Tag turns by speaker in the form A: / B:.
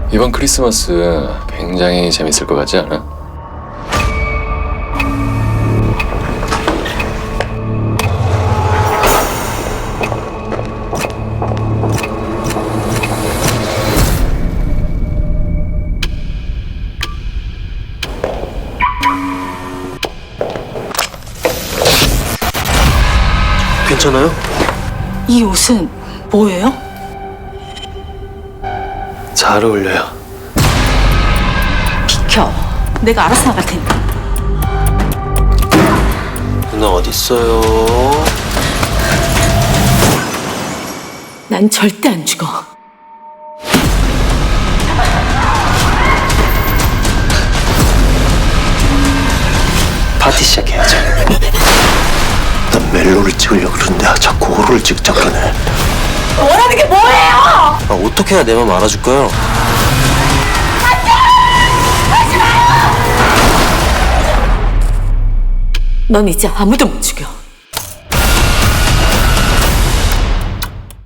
A: 이번 크리스마스 굉장히 재밌을 것 같지 않아?
B: 괜찮아요?
C: 이 옷은 뭐예요?
B: 잘 어울려요.
C: 비켜. 내가 알아서 나갈 테니까.
B: 누나 어딨어요?
C: 난 절대 안 죽어.
B: 파티 시작해야죠. 난 멜로를 찍으려고 그러는데 자꾸 호로를 찍자 그러네.
C: 원하는 게 뭐예요?
B: 어떻게 해야 내 맘 알아줄까요?
C: 넌 이제 아무도 못 죽여.